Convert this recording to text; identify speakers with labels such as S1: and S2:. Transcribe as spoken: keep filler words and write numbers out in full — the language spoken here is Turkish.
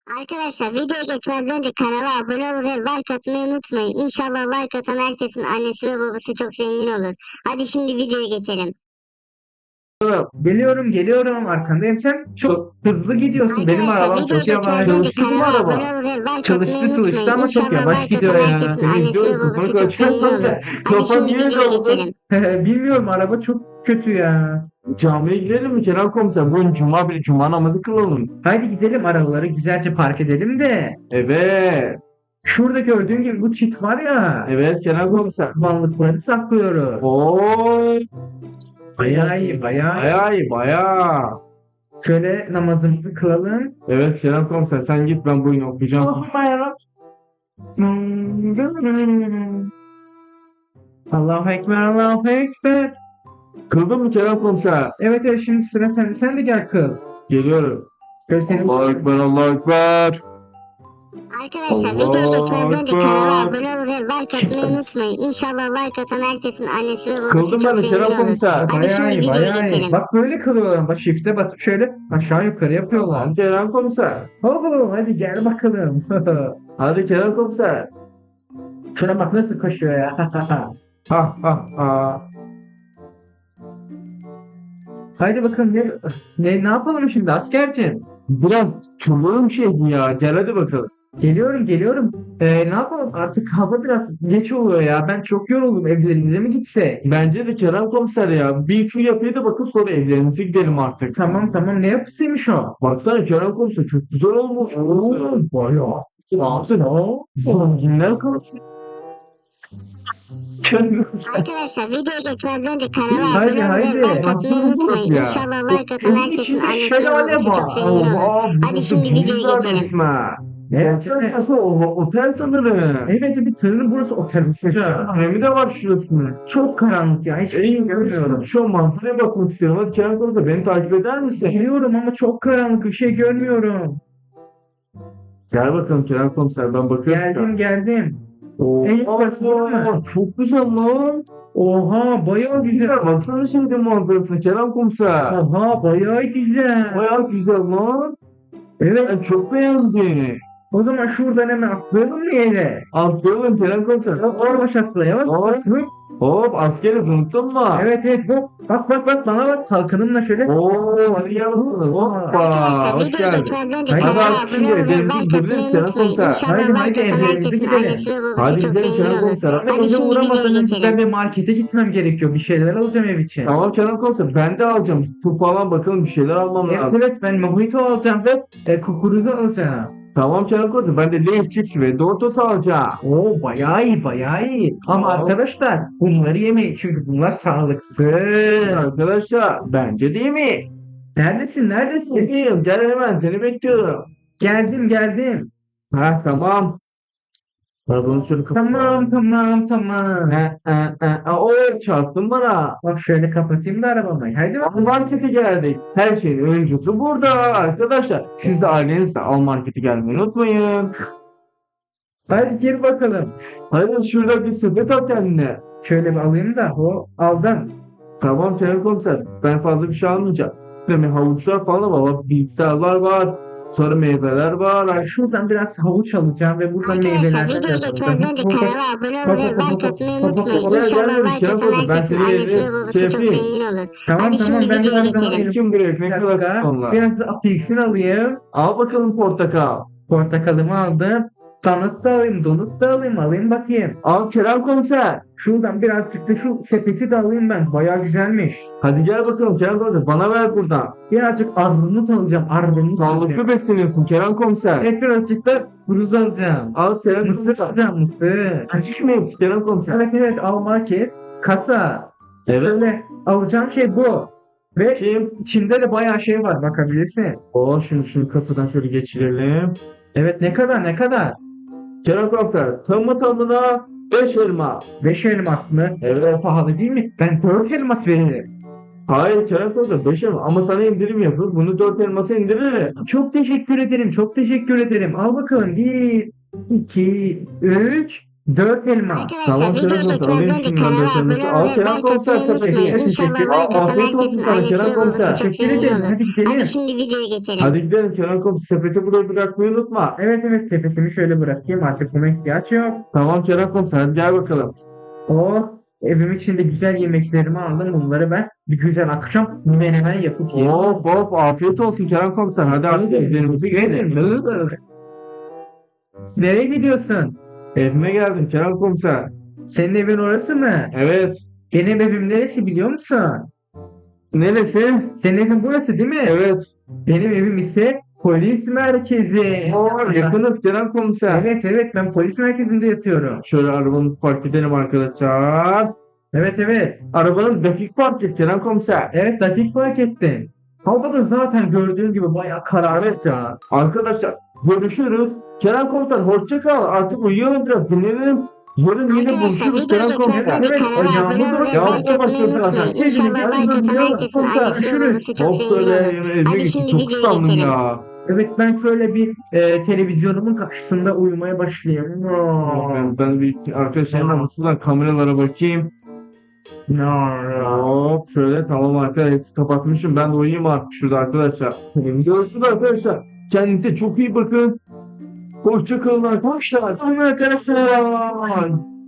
S1: Arkadaşlar videoya geçmeden önce kanala abone olun ve like atmayı unutmayın. İnşallah like atan herkesin annesi ve babası çok zengin olur. Hadi şimdi videoya geçelim.
S2: Geliyorum geliyorum arkandayım, sen çok hızlı gidiyorsun, benim
S1: Arkadaşlar
S2: arabam
S1: videoya
S2: çok yavaş.
S1: geçmeden önce
S2: Çalıştı mı
S1: kanala abone
S2: araba?
S1: olun ve like atmayı
S2: Çalıştı çalıştı
S1: unutmayın.
S2: ama çok
S1: İnşallah
S2: yavaş
S1: like
S2: gidiyor
S1: atan
S2: ya.
S1: herkesin
S2: Seni
S1: annesi ve
S2: izliyorum,
S1: babası
S2: kafanı
S1: çok zengin
S2: kaçırma
S1: olur.
S2: sen.
S1: Hadi
S2: Kafan
S1: şimdi
S2: niye
S1: videoya
S2: kaldı?
S1: geçelim.
S2: Bilmiyorum, araba çok kötü ya. Camiye gidelim mi Kenan Komiser? Bugün cuma bile cuma namazı kılalım. Haydi gidelim, arabaları güzelce park edelim de. Evet. Şurada gördüğün gibi bu çit var ya. Evet Kenan Komiser. Varlıkları saklıyoruz. Oo. Bayağı iyi, bayağı iyi. Bayağı iyi, bayağı. Şöyle namazımızı kılalım. Evet Kerem Komiser, sen git, ben bu oyunu okuyacağım. Allah'ım yarabbim. Allahu Ekber, Allahu Ekber. Kıldın mı Kerem Komiser? Evet evet, şimdi sıra sende. Sen de gel kıl. Geliyorum. Göstereyim. Allahu Ekber, Allahu Ekber.
S1: Arkadaşlar
S2: Allah
S1: videoya geçmeden önce kanala
S2: Ekber.
S1: abone olun ve like atmayı unutmayın. İnşallah like atan herkesin annesi ve babası
S2: Kıldım
S1: çok
S2: ben de
S1: zengin
S2: Kerem
S1: olur.
S2: Komiser.
S1: Hadi
S2: Bayağı
S1: şimdi
S2: iyi,
S1: videoya
S2: bayağı iyi.
S1: geçelim.
S2: Bak böyle kılıyorlar. Bak shift'e basıp şöyle aşağı yukarı yapıyorlar. Kerem Komiser. Oho, hadi gel bakalım. Hadi Kerem Komiser. Şuna bak nasıl koşuyor ya. Ha ha ha. Haydi bakalım, ne, ne, ne yapalım şimdi askerciğim? Biraz turlalım şey ya. Gel hadi bakalım. Geliyorum geliyorum. Ee, ne yapalım, artık hava biraz geç oluyor ya. Ben çok yoruldum, evlerimize mi gitsek? Bence de Kerem Komiser ya. Bir şu yapıya da bakıp sonra evlerimize gidelim artık. Tamam tamam, ne yapısıymış o? Baksana Kerem Komiser, çok güzel olmuş. Oo, bayağı. Baksana. Zenginler konuşuyor.
S1: Arkadaşlar videoya geçmeden önce kanala
S2: Haydi,
S1: abone olun ve
S2: haydi.
S1: like atmayı
S2: Baksana
S1: unutmayın.
S2: ya.
S1: İnşallah like atan
S2: Evin
S1: herkesin
S2: içinde
S1: annesi ve
S2: şelale
S1: babası çok
S2: var.
S1: zengin olur.
S2: Aa,
S1: Hadi
S2: burası
S1: şimdi videoya
S2: güzel
S1: geçelim.
S2: resmen. Evet, evet. Nasıl o otel sanırım. Evet, bir tırın burası otel. Remi de var şurasının. Çok karanlık ya, hiç iyi görmüyorum. Şu an manzaraya bakmak istiyorum. Hadi Kerem Komiser, beni takip eder misin? Geliyorum ama çok karanlık, bir şey görmüyorum. Gel bakalım Kerem Komiser, ben bakıyorum. Geldim geldim. Oo, aa, çok güzel lan. Oha, bayağı güzel. Baksana şimdi manzarasına Kerem Komiser. Oha, bayağı güzel. Bayağı güzel lan. Evet, ben çok beğendim. O zaman şuradan hemen atlayalım mı yere? Atlayalım Kerem Komiser. Orbaş atlayalım. Hop. Hop, askeri unuttun mu? Evet evet, hop. Bak bak bak, bana bak, kalkanımla şöyle. Oo, hadi gel bakalım. Hoppa,
S1: Arkadaşlar
S2: hoş
S1: videoya
S2: geldin.
S1: geçmeden önce
S2: Hadi
S1: kanala
S2: artık
S1: abone
S2: şimdi
S1: olun ve
S2: evlerimize
S1: like
S2: gidebiliriz
S1: atmayı
S2: Kerem
S1: unutmayın.
S2: Komiser.
S1: İnşallah
S2: Haydi
S1: like
S2: haydi,
S1: atan
S2: evlerimize
S1: herkesin
S2: gidelim.
S1: annesi ve babası
S2: Hadi
S1: çok
S2: gidelim
S1: zengin
S2: Kerem
S1: olur.
S2: Komiser. Hadi
S1: Hadi
S2: bize
S1: şimdi videoya
S2: uğramasanız ben
S1: geçelim.
S2: de markete gitmem gerekiyor. Bir şeyler alacağım ev için. Tamam Kerem Komiser, ben de alacağım. Su falan, bakalım bir şeyler almam
S1: Evet,
S2: lazım. Evet, ben mojito alacağım ve e, kukuruzu alacağım. Tamam Kerem Komiser, ben de Lay's chips ve Doritos alacağım. Oo, bayağı iyi bayağı iyi. Ama
S3: Tamam.
S2: arkadaşlar, bunları yemeyin çünkü bunlar sağlıksız. Arkadaşlar, bence değil mi? Neredesin neredesin? Geliyorum, gel hemen, seni bekliyorum. Geldim geldim. Ha tamam. Arabanın şöyle kapat. Tamam tamam tamam. Ha, ha, ha. Aa, o çarptın bana. Bak şöyle kapatayım da arabayı. Haydi bak. Al markete geldik. Her şeyin öncüsü burada arkadaşlar. Siz de ailenizle al markete gelmeyi unutmayın. Hadi gir bakalım. Hadi şurada bir sepet al kendine. Şöyle bir alayım da o aldım. Tamam Kerem Komiser, ben fazla bir şey almayacağım. Demin havuçlar falan var. Bak, bilgisayarlar var. Sonra meyveler var. Şuradan biraz havuç alacağım ve buradan
S1: Arkadaşlar
S2: meyvelerden
S1: videoya
S2: biraz
S1: geçmeden önce
S2: alacağım.
S1: kanala abone olun ve like atmayı unutmayın.
S2: Oraya
S1: İnşallah
S2: gelmemiş,
S1: like
S2: Kerem
S1: atan
S2: Komiser. Ben
S1: herkesin
S2: seni
S1: annesi ve
S2: şey
S1: babası çok
S2: yapayım.
S1: zengin olur.
S2: Tamam
S1: Hadi
S2: tamam,
S1: şimdi
S2: ben de
S1: videoya
S2: biraz daha
S1: geçelim.
S2: kim gerek, ne kadar sonra. Biraz da apelsin alayım. Al bakalım portakal. Portakalımı aldım. Donut da alayım, donut da alayım, alayım bakayım. Al Kerem Komiser. Şuradan birazcık da şu sepeti de alayım ben. Bayağı güzelmiş. Hadi gel bakalım Kerem Komiser, bana ver buradan. Birazcık armut alacağım, armut. Sağlıklı besleniyorsun Kerem Komiser. Evet, birazcık da kuruz alacağım. Al Kerem Komiser. Mısır alacağım, mısır. Açık mı hepsi Kerem Komiser? Evet evet, al market. Kasa. Evet. Böyle alacağım şey bu. Ve Kim? içinde de bayağı şey var, bakabilirsin. O şunu şunu kasadan şöyle geçirelim. Evet, ne kadar ne kadar? Kerem Komiser, tamı tamına beş elma. beş elmas mı? Evet. Pahalı değil mi? Ben dört elmas veririm. Hayır Kerem Komiser, beş elma ama sana indirim yapıyor. Bunu dört elmasa indiririm. Çok teşekkür ederim, çok teşekkür ederim. Al bakalım, bir, iki, üç, Dört elma.
S1: Arkadaşlar
S2: Tamam
S1: videoyu
S2: Kerem komiser
S1: geçmeden
S2: alayım
S1: önce
S2: şundan
S1: kanala
S2: dört elması.
S1: abone
S2: Al
S1: ol ve
S2: Kerem
S1: like
S2: komiser
S1: atmayı unutmayın.
S2: sepeti.
S1: İnşallah
S2: Teşekkür.
S1: like atan
S2: Afiyet olsun
S1: herkesin
S2: sana
S1: annesi
S2: Kerem
S1: ve babası
S2: komiser.
S1: çok
S2: Teşekkür
S1: zengin
S2: ederim.
S1: olur.
S2: Hadi
S1: Hadi
S2: gidelim.
S1: şimdi videoya geçelim.
S2: Hadi gidelim Kerem komiser. Sepeti burada bırakmayı unutma. Evet evet sepetimi şöyle bırakayım. Artık buna ihtiyaç yok. Tamam Kerem komiser hadi gel bakalım. Oh, evim içinde güzel yemeklerimi aldım. Bunları ben bir güzel akşam menemen yapıp yerim. Of of afiyet olsun Kerem komiser. Hadi artık evlerimizi gidelim. Nereye gidiyorsun? Evime geldim Kerem komiser. Senin evin orası mı? Evet. Benim evim neresi biliyor musun? Neresi? Senin evin burası değil mi? Evet. Benim evim ise polis merkezi. Oo, yakınız Kerem komiser. Evet evet ben polis merkezinde yatıyorum. Şöyle arabamızı park edelim arkadaşlar. Evet evet. Arabanın dakik park et Kerem komiser. Evet dakik park ettin. Hava da zaten gördüğün gibi bayağı kararlı ya. Arkadaşlar görüşürüz. Kerem komiser hoşça kal. Artık uyuyalım biraz dinlenelim. Yarın yine
S1: Arkadaşlar
S2: buluşuruz
S1: videoyu
S2: Kerem komiser.
S1: geçmeden önce
S2: Evet
S1: kanala abone
S2: ayağımız
S1: ol
S2: var.
S1: ve
S2: Yağmur
S1: like
S2: da
S1: atmayı
S2: başlıyor
S1: unutmayın.
S2: zaten.
S1: İnşallah like atan herkesin annesi ve babası çok
S2: Of
S1: zengin
S2: böyle
S1: olur.
S2: evime
S1: Hadi
S2: geçtim.
S1: şimdi
S2: Çok
S1: videoya
S2: usandım
S1: geçelim.
S2: ya. Evet ben şöyle bir e, televizyonumun karşısında uyumaya başlayayım. Ben, ben bir arkadaşlarımla mutlulukla kameralara bakayım. Hop şöyle tamam arkadaşlar hepsi kapatmışım. Ben de uyuyayım artık şurada arkadaşlar. Görüşürüz arkadaşlar. Kendinize çok iyi bakın. Hoşça kalın arkadaşlar. Arkadaşlar.